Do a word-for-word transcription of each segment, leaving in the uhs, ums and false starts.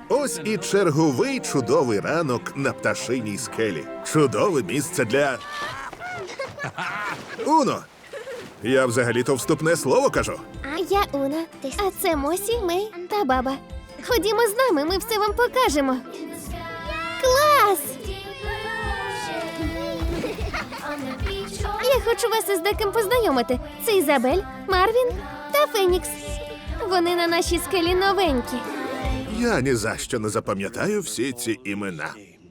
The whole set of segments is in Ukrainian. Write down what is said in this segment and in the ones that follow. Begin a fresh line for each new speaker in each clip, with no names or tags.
Ось і черговий чудовий ранок на пташиній скелі. Чудове місце для... Уно! Я взагалі-то вступне слово кажу.
А я Уна. А це Мосі, Мей та баба. Ходімо з нами, ми все вам покажемо. Клас! Я хочу вас із деким познайомити. Це Ізабель, Марвін та Фенікс. Вони на нашій скелі новенькі.
Я ні за що не запам'ятаю всі ці імена.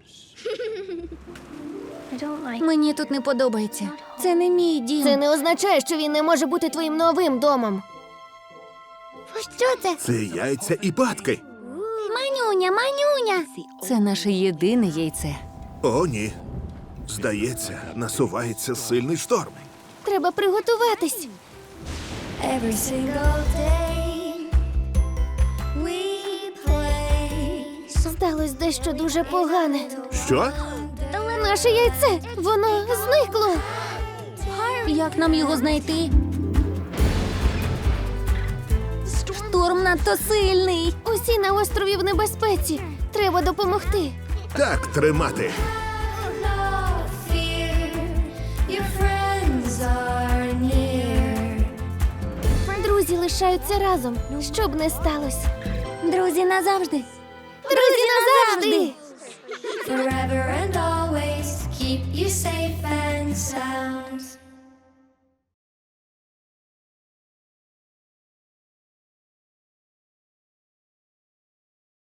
Мені тут не подобається. Це не мій дім.
Це не означає, що він не може бути твоїм новим домом. Що це?
Це яйця і батки.
Манюня, манюня. Це наше єдине яйце.
О, ні. Здається, насувається сильний шторм.
Треба приготуватись.
Every single day we play.
Сталося дещо дуже погане.
Що?
Наше яйце, воно зникло.
Як нам його знайти? Шторм надто сильний.
Усі на острові в небезпеці. Треба допомогти.
Так тримати.
No fear, your friends are near.
Друзі лишаються разом, що б не сталося.
Друзі назавжди.
Друзі назавжди!
Forever and always keep you safe.